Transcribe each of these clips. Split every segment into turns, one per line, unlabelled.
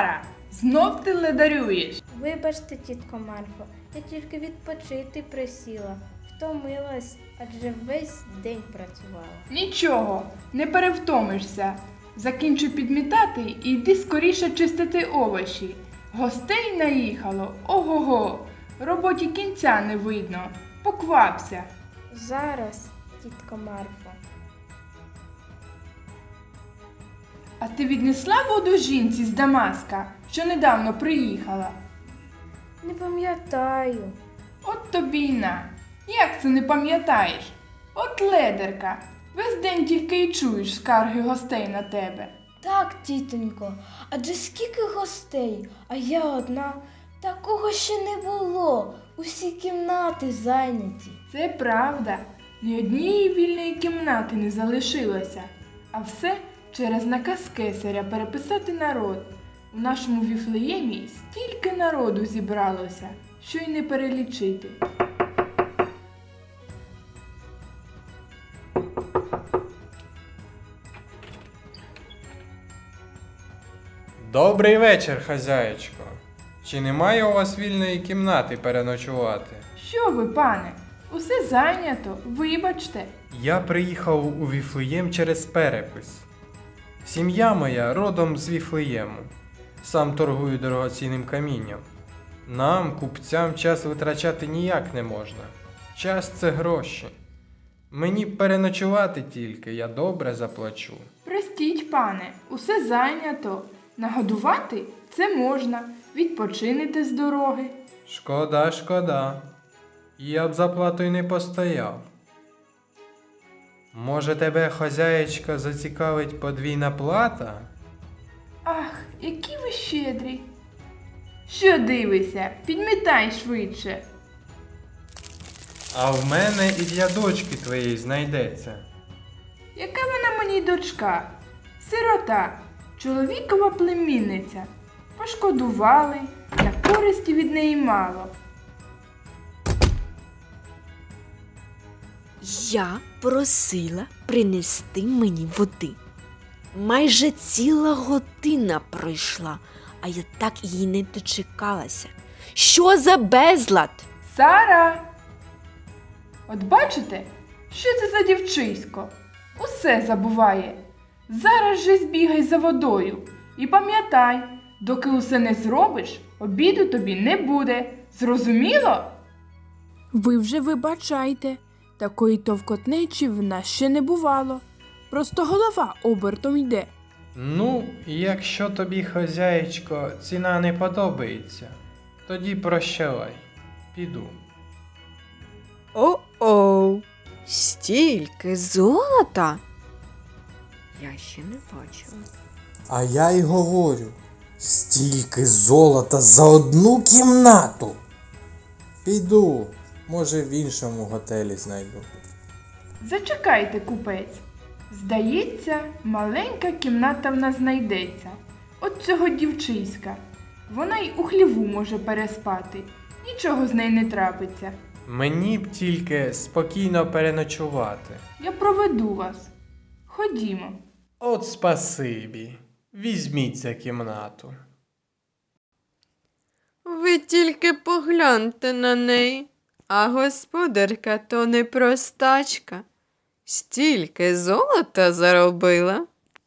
Сара, знов ти ледарюєш.
Вибачте, тітко Марфо, я тільки відпочити присіла. Втомилась, адже весь день працювала.
Нічого, не перевтомишся. Закінчуй підмітати і йди скоріше чистити овочі. Гостей наїхало, ого-го, роботі кінця не видно. Поквапся.
Зараз, тітко Марфо.
А ти віднесла воду жінці з Дамаска, що недавно приїхала?
Не пам'ятаю.
От тобі й на. Як це не пам'ятаєш? От ледерка. Весь день тільки й чуєш скарги гостей на тебе.
Так, тітонько, адже скільки гостей, а я одна. Такого ще не було. Усі кімнати зайняті.
Це правда. Ні однієї вільної кімнати не залишилося. А все через наказ кесаря переписати народ. У нашому Віфлеємі стільки народу зібралося, що й не перелічити.
Добрий вечір, хазяєчко. Чи немає у вас вільної кімнати переночувати?
Що ви, пане? Усе зайнято, вибачте.
Я приїхав у Віфлеєм через перепис. Сім'я моя родом з Віфлеєму. Сам торгую дорогоцінним камінням. Нам, купцям, час витрачати ніяк не можна. Час – це гроші. Мені переночувати тільки, я добре заплачу.
Простіть, пане, усе зайнято. Нагодувати – це можна. Відпочинете з дороги.
Шкода, шкода. Я б за платою не постояв. Може, тебе, хазяєчка, зацікавить подвійна плата?
Ах, які ви щедрі. Що дивишся? Підмітай швидше.
А в мене і для дочки твоєї знайдеться.
Яка вона мені дочка? Сирота, чоловікова племінниця. Пошкодували, та користі від неї мало.
Я просила принести мені води. Майже ціла година пройшла, а я так її не дочекалася. Що за безлад?
Сара! От бачите, що це за дівчисько? Усе забуває. Зараз же збігай за водою. І пам'ятай, доки усе не зробиш, обіду тобі не буде. Зрозуміло?
Ви вже вибачайте, такої товкотнечі в нас ще не бувало. Просто голова обертом йде.
Ну, якщо тобі, хазяєчко, ціна не подобається, тоді прощавай, піду.
О-оу, стільки золота? Я ще не бачила.
А я й говорю, стільки золота за одну кімнату. Піду, може в іншому готелі знайду.
Зачекайте, купець. Здається, маленька кімната в нас знайдеться. От цього дівчиська. Вона й у хліву може переспати. Нічого з неї не трапиться.
Мені б тільки спокійно переночувати.
Я проведу вас. Ходімо.
От спасибі. Візьміться кімнату.
Ви тільки погляньте на неї, а господарка то не простачка. Стільки золота заробила.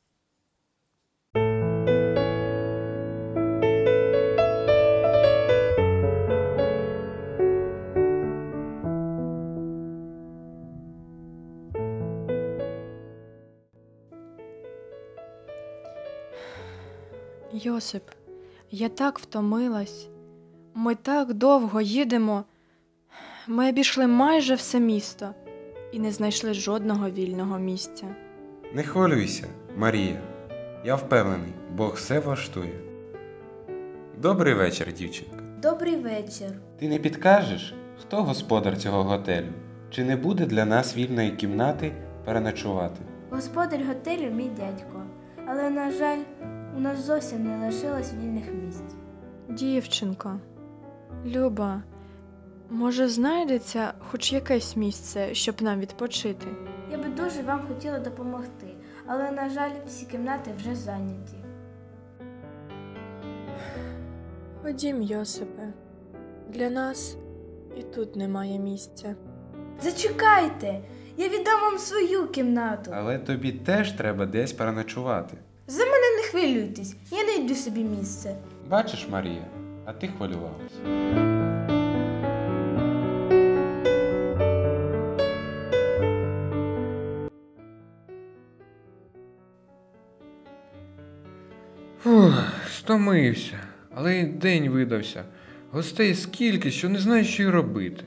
Йосип, я так втомилась. Ми так довго їдемо. Ми обійшли майже все місто і не знайшли жодного вільного місця.
Не хвилюйся, Марія. Я впевнений, Бог все влаштує. Добрий вечір, дівчинка.
Добрий вечір.
Ти не підкажеш, хто господар цього готелю? Чи не буде для нас вільної кімнати переночувати?
Господар готелю мій дядько. Але, на жаль, у нас зовсім не лишилось вільних місць.
Дівчинко, Люба, може знайдеться хоч якесь місце, щоб нам відпочити?
Я би дуже вам хотіла допомогти, але, на жаль, всі кімнати вже зайняті.
Ходім, Йосипе. Для нас і тут немає місця.
Зачекайте, я віддам вам свою кімнату.
Але тобі теж треба десь переночувати.
За мене не хвилюйтесь, я знайду собі місце.
Бачиш, Марія, а ти хвилювалася.
Фух, стомився, але й день видався. Гостей скільки, що не знаю, що й робити.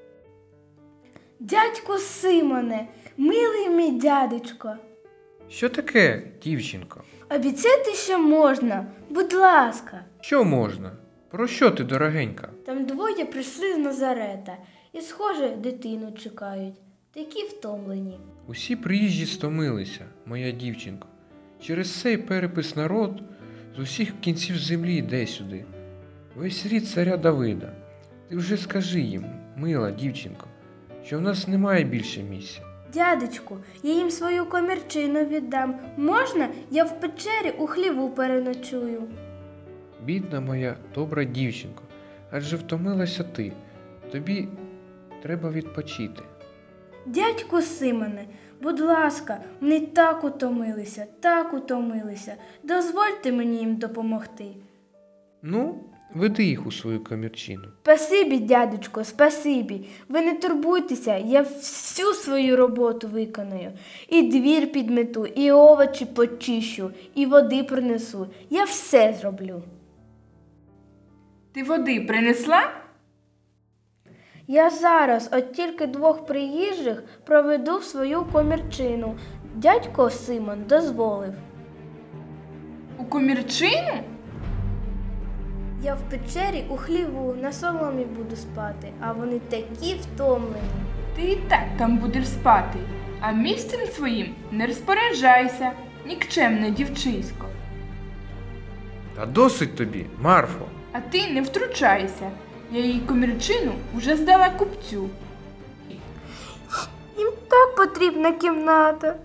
Дядьку Симоне, милий мій дядечко,
Що таке, дівчинко?
обіцяйте, що можна, будь ласка.
Що можна? Про що ти, дорогенька?
Там двоє прийшли з Назарета і, схоже, дитину чекають. Такі втомлені.
Усі приїжджі стомилися, моя дівчинко. Через цей перепис народ з усіх кінців землі йде сюди. Весь рід царя Давида. Ти вже скажи їм, мила дівчинко, що в нас немає більше місця.
Дядечку, я їм свою комірчину віддам. Можна, я в печері у хліву переночую?
Бідна моя добра дівчинко, адже втомилася ти. Тобі треба відпочити.
Дядьку Симоне, будь ласка, вони так утомилися. Дозвольте мені їм допомогти.
Ну, веди їх у свою комірчину.
Спасибі, дядечко, спасибі. Ви не турбуйтеся, я всю свою роботу виконую. І двір підмету, і овочі почищу, і води принесу. Я все зроблю.
Ти води принесла?
Я зараз от тільки двох приїжджих проведу в свою комірчину. Дядько Симон дозволив.
У комірчину?
Я в печері у хліву на соломі буду спати, а вони такі втомлені.
Ти і так там будеш спати, а місцем своїм не розпоряджайся, нікчемне дівчисько.
Та досить тобі, Марфо.
А ти не втручайся. Я її комірчину вже здала купцю.
Їм так потрібна кімната.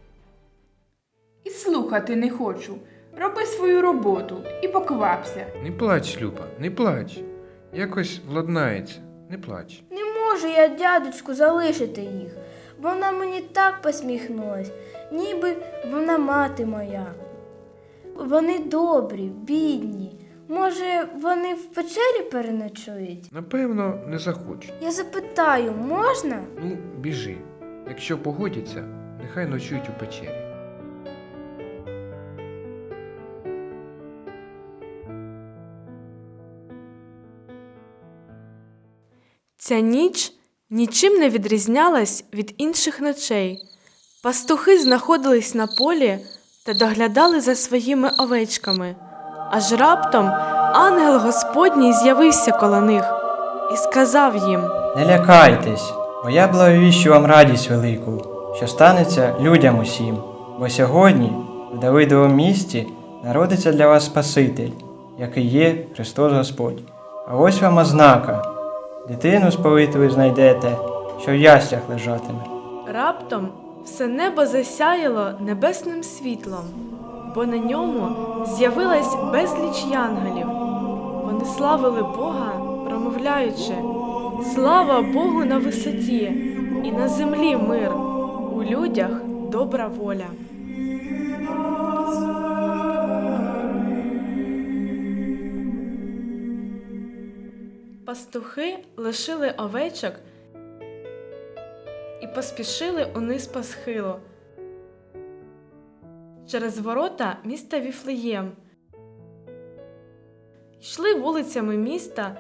І слухати не хочу. Роби свою роботу і поквапся.
Не плач, Люба, не плач. Якось владнається, не плач.
Не можу я, дядечку, залишити їх. Вона мені так посміхнулась, ніби вона мати моя. Вони добрі, бідні. Може, вони в печері переночують?
Напевно, не захочуть.
Я запитаю, можна?
Ну, біжи. Якщо погодяться, нехай ночують у печері.
Ця ніч нічим не відрізнялась від інших ночей. Пастухи знаходились на полі та доглядали за своїми овечками. Аж раптом ангел Господній з'явився коло них і сказав їм:
Не лякайтесь, бо я благовіщу вам радість велику, що станеться людям усім. Бо сьогодні в Давидовому місті народиться для вас Спаситель, який є Христос Господь. А ось вам ознака. Дитину сповитою знайдете, що в яслях лежатиме.
Раптом все небо засяяло небесним світлом, бо на ньому з'явилась безліч янголів. Вони славили Бога, промовляючи: «Слава Богу на висоті, і на землі мир, у людях добра воля». Пастухи лишили овечок і поспішили униз по схилу через ворота міста Віфлеєм. Йшли вулицями міста,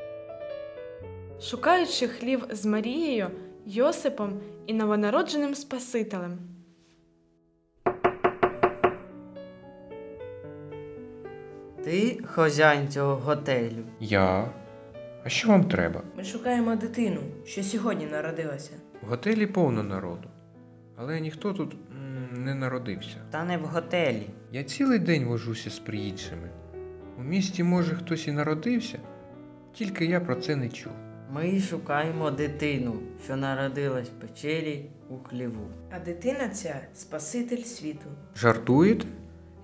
шукаючи хлів з Марією, Йосипом і новонародженим Спасителем.
Ти хазяїн цього готелю?
Я? А що вам треба?
Ми шукаємо дитину, що сьогодні народилася.
В готелі повно народу, але ніхто тут не народився.
Та не в готелі.
Я цілий день вожуся з приїжджими. У місті, може, хтось і народився, тільки я про це не чув.
Ми шукаємо дитину, що народилась в печері у хліву.
А дитина ця – Спаситель світу.
Жартуєте?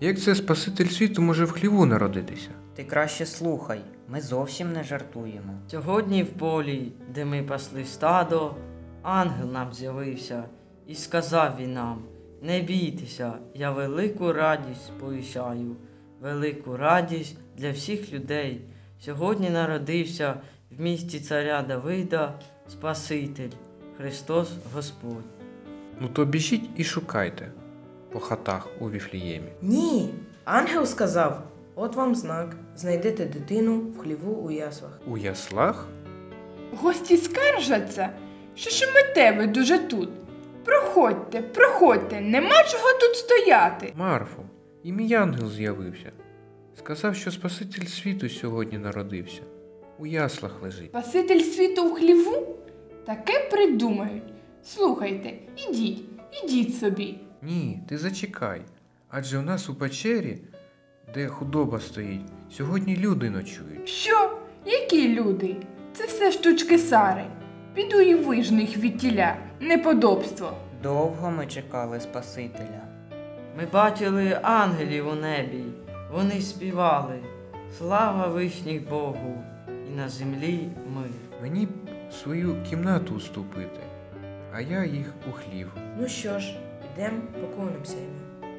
Як це Спаситель світу може в хліву народитися?
Ти краще слухай, ми зовсім не жартуємо. Сьогодні в полі, де ми пасли стадо, ангел нам з'явився, і сказав він нам: не бійтеся, я велику радість сповіщаю, велику радість для всіх людей. Сьогодні народився в місті царя Давида Спаситель, Христос Господь.
Ну то біжіть і шукайте по хатах у Віфліємі.
Ні. Ангел сказав: от вам знак. Знайдете дитину в хліву у яслах.
У яслах?
Гості скаржаться, що шумите ви дуже тут. Проходьте, проходьте, нема чого тут стояти.
Марфо, і мій ангел з'явився. Сказав, що Спаситель світу сьогодні народився. У яслах лежить.
Спаситель світу в хліву? Таке придумають. Слухайте, ідіть собі.
Ні, ти зачекай. Адже у нас у печері, де худоба стоїть, сьогодні люди ночують.
Що? Які люди? Це все штучки Сари. Піду і вижну їх від тіля. Неподобство.
Довго ми чекали Спасителя. Ми бачили ангелів у небі, вони співали: слава вишніх Богу, і на землі мир.
Мені б свою кімнату уступити, а я їх у хлів.
Ну що ж, ідем поклонимося йому.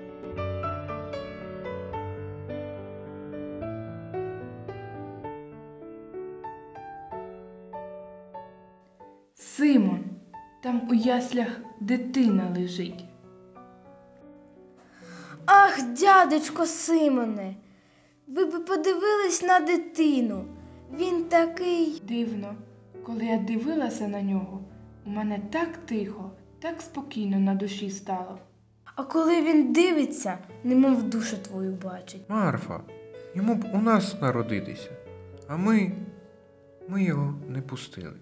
Симон, там у яслях дитина лежить.
Ах, дядечко Симоне, ви б подивились на дитину. Він такий.
Дивно, коли я дивилася на нього, у мене так тихо, так спокійно на душі стало.
А коли він дивиться, немов душу твою бачить.
Марфа, йому б у нас народитися, а ми його не пустили.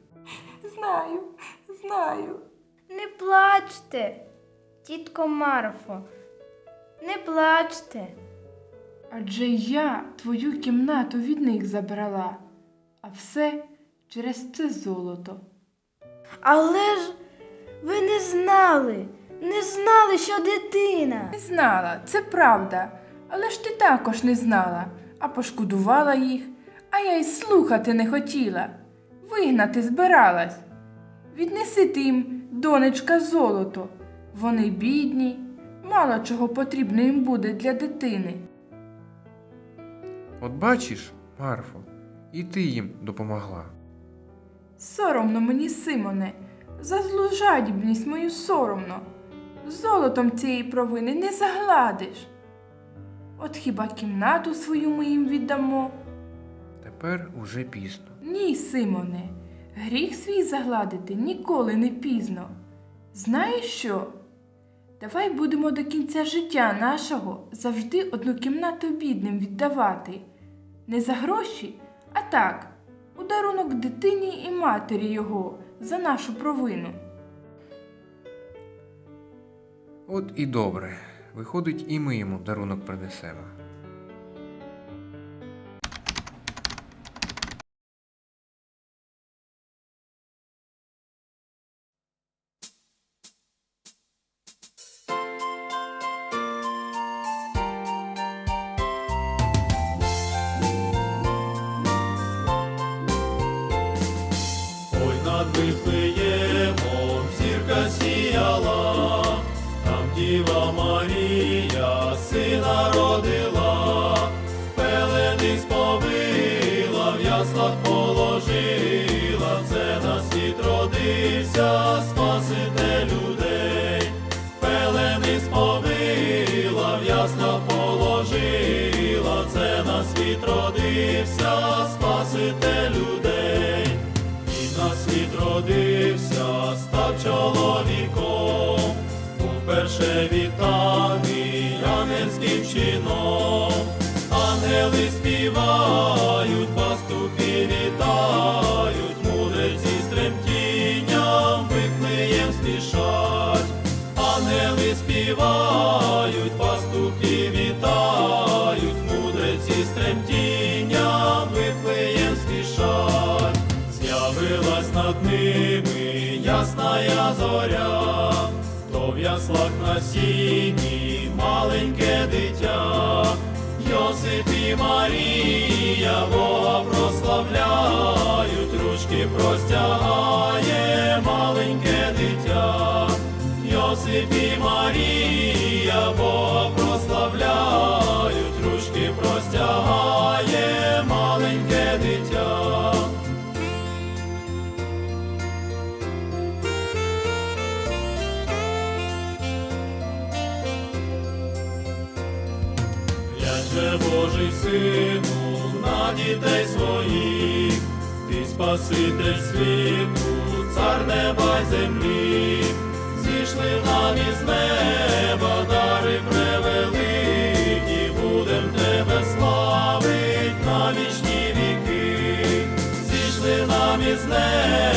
Знаю.
Не плачте, тітко Марфо, не плачте.
Адже я твою кімнату від них забрала, а все через це золото.
Але ж ви не знали, що дитина.
Не знала, це правда, але ж ти також не знала, а пошкодувала їх, а я й слухати не хотіла. Вигнати збиралась. Віднеси ти їм, донечка, золото. Вони бідні, мало чого потрібно їм буде для дитини.
От бачиш, Марфо, і ти їм допомогла.
Соромно мені, Симоне, за злу жадібність мою соромно. Золотом цієї провини не загладиш. От хіба кімнату свою ми їм віддамо?
Тепер уже пізно.
Ні, Симоне, гріх свій загладити ніколи не пізно. Знаєш що? Давай будемо до кінця життя нашого завжди одну кімнату бідним віддавати. Не за гроші, а так, у дарунок дитині і матері його за нашу провину.
От і добре. Виходить, і ми йому дарунок принесемо.
Ой, над Вифлеємом зірка сіяла, там Діва Марія сина родила, пелени сповила, в яслах положила, це на світ родився Спаситель людей. Пелени сповила, в яслах положила, це на світ родився Спаситель людей. На світ родився, став чоловіком, був перше вітаний ангельським чином. Ангели співають, пастухи вітають, мудреці з тремтінням Вифлеєм спішать. Ангели співають, пастухи вітають, мудреці з тремтінням Вифлеєм спішать. З'явилась над ними ясная зоря, то в яслах на сіні мали маленьке дитя. Йосип і Марія Бога прославляють, ручки простягає маленьке дитя. Йосип і Марія Бога прославляють, ручки простягає маленьке дитя. Глянь же, Божий Сину, на дітей своїх, ти Спаситель світу, цар неба й землі, зійшли нам із неба дари превеликі, будем тебе славить на вічні віки, зійшли нам із неба